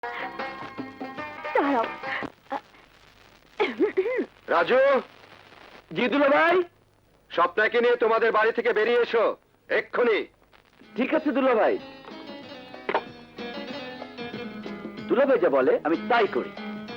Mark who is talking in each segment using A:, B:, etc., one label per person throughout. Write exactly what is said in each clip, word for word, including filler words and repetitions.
A: দাঁড়াও।
B: রাজু, জিদুল ভাই, স্বপ্নাকে নিয়ে তোমাদের বাড়ি থেকে বেরিয়ে এসো এক্ষুনি।
C: ঠিক আছে দুলা ভাই। দুলা ভাই যা বলে আমি তাই করি।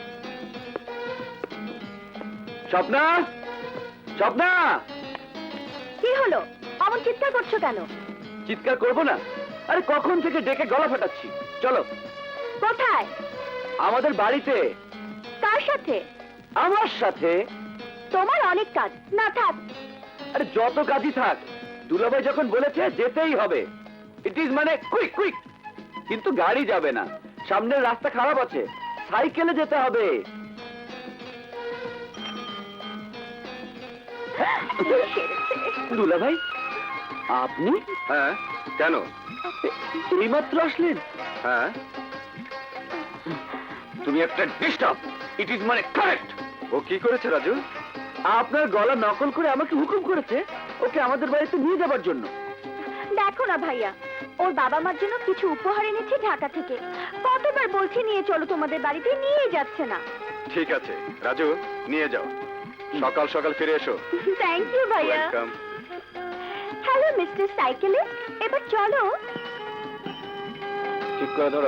C: স্বপ্না, স্বপ্না,
A: কি হলো? অমন চিৎকার করছো কেন?
C: চিৎকার করবো না? আরে কখন থেকে ডেকে গলা ফাটাচ্ছি। চলো।
A: কোথায়?
C: আমাদের বাড়িতে।
A: কার সাথে?
C: আমার সাথে।
A: তোমার অনেক কাজ, না থাক।
C: আরে যত কাজই থাক, দুলাভাই যখন বলেছে যেতেই হবে। ইট ইজ মানে কুইক কুইক। কিন্তু গাড়ি যাবে না, সামনের রাস্তা খারাপ আছে, সাইকেলে যেতে হবে। দুলাভাই, আপনি?
B: হ্যাঁ, কেন?
C: এইমাত্র আসলেন?
B: হ্যাঁ,
C: তুমি একটা ডিস্টার্ব। ইট ইজ মানে কারেক্ট।
B: ও কি করেছে রাজু?
C: আপনার গলা নকল করে আমাকে হুকুম করেছে ওকে আমাদের বাড়িতে নিয়ে যাবার জন্য।
A: দেখো না ভাইয়া, ওর বাবা মার জন্য কিছু উপহার এনেছে ঢাকা থেকে। কতবার বলছি নিয়ে চলো তোমাদের বাড়িতে, নিয়ে যাচ্ছে না।
B: ঠিক আছে রাজু, নিয়ে যাও। সকাল সকাল ফিরে এসো।
A: থ্যাংক ইউ ভাইয়া।
B: ওয়েলকাম।
A: হ্যালো মিস্টার সাইকেলে, এবার চলো।
C: ঠিক করে ধরো।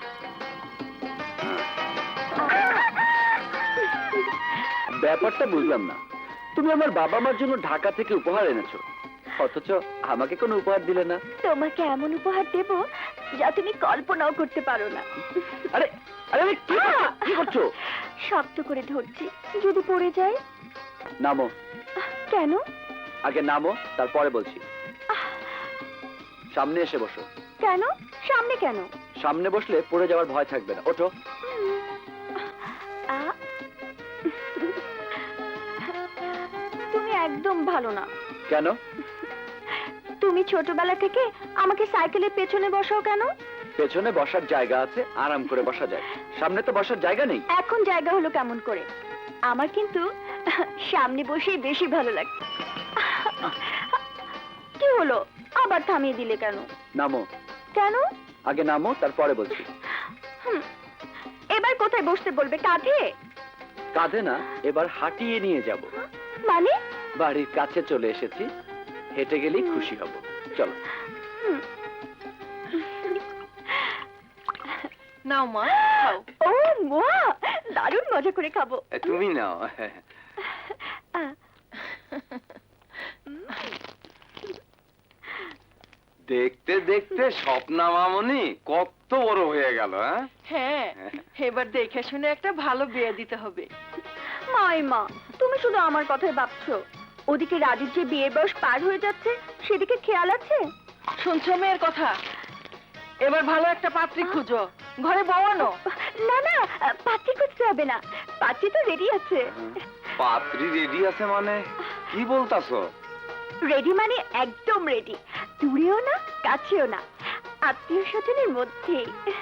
C: ব্যাপারটা বুঝলাম না, তুমি আমার বাবা মার জন্য ঢাকা থেকে উপহার এনেছো, অথচ আমাকে কোনো উপহার দিলে না।
A: তোমাকে এমন উপহার দেব যা তুমি কল্পনাও করতে পারো না।
C: আরে আরে আরে, কি করছো? কি করছো?
A: শক্ত করে ধরছি, যদি পড়ে যায়।
C: নামো।
A: কেন?
C: আগে নামো, তারপরে বলছি। সামনে এসে বসো।
A: কেন? সামনে কেন?
C: সামনে বসলে পড়ে যাওয়ার ভয় থাকবে না। ওঠো।
A: আ? তুমি একদম ভালো না।
C: কেন?
A: তুমি ছোটবেলা থেকে আমাকে সাইকেলের পেছনে বসাও কেন?
C: পেছনে বসার জায়গা আছে, আরাম করে বসা যায়। সামনে তো বসার জায়গা নেই।
A: এখন জায়গা হলো কেমন করে? আমার কিন্তু সামনে বসেই বেশি ভালো লাগে। কি হলো, আবার থামিয়ে দিলে কেন?
C: নামো।
A: কেন?
C: আগে নামো, তারপরে বলছি।
A: হুম, এবার কোথায় বসতে বলবে? কাঁধে?
C: কাঁধে না, এবার হাঁটিয়ে নিয়ে যাব।
A: মানে?
C: বাড়ির কাছে চলে এসেছি, হেঁটে গেলেই খুশি হব। চলো।
A: হুম।
D: নাও মা, খাও।
A: ও মা, দারুণ মজা করে খাবো।
B: তুমি নাও।
A: আহ,
B: দেখতে দেখতে স্বপ্না মামনি কত বড় হয়ে গেল। হ্যাঁ,
D: হ্যাঁ, এবার দেখে শুনে একটা ভালো বিয়ে দিতে হবে।
A: মাই মা, তুমি শুধু আমার কথাই ভাবছো। ওদিকে রাজুর যে বিয়ের বয়স পার হয়ে যাচ্ছে, সেদিকে খেয়াল আছে?
D: শুনছো মেয়ের কথা? এবার ভালো একটা পাত্রী খুঁজো, ঘরে বওয়ানো।
A: না না, পাত্রী খুঁজতে হবে না, পাত্রী তো রেডি আছে।
B: পাত্রী রেডি আছে মানে কি বলতাছো?
A: রেডি মানে একদম রেডি, দূরেও না কাছেও না, আত্মীয় স্বজনের মধ্যেই।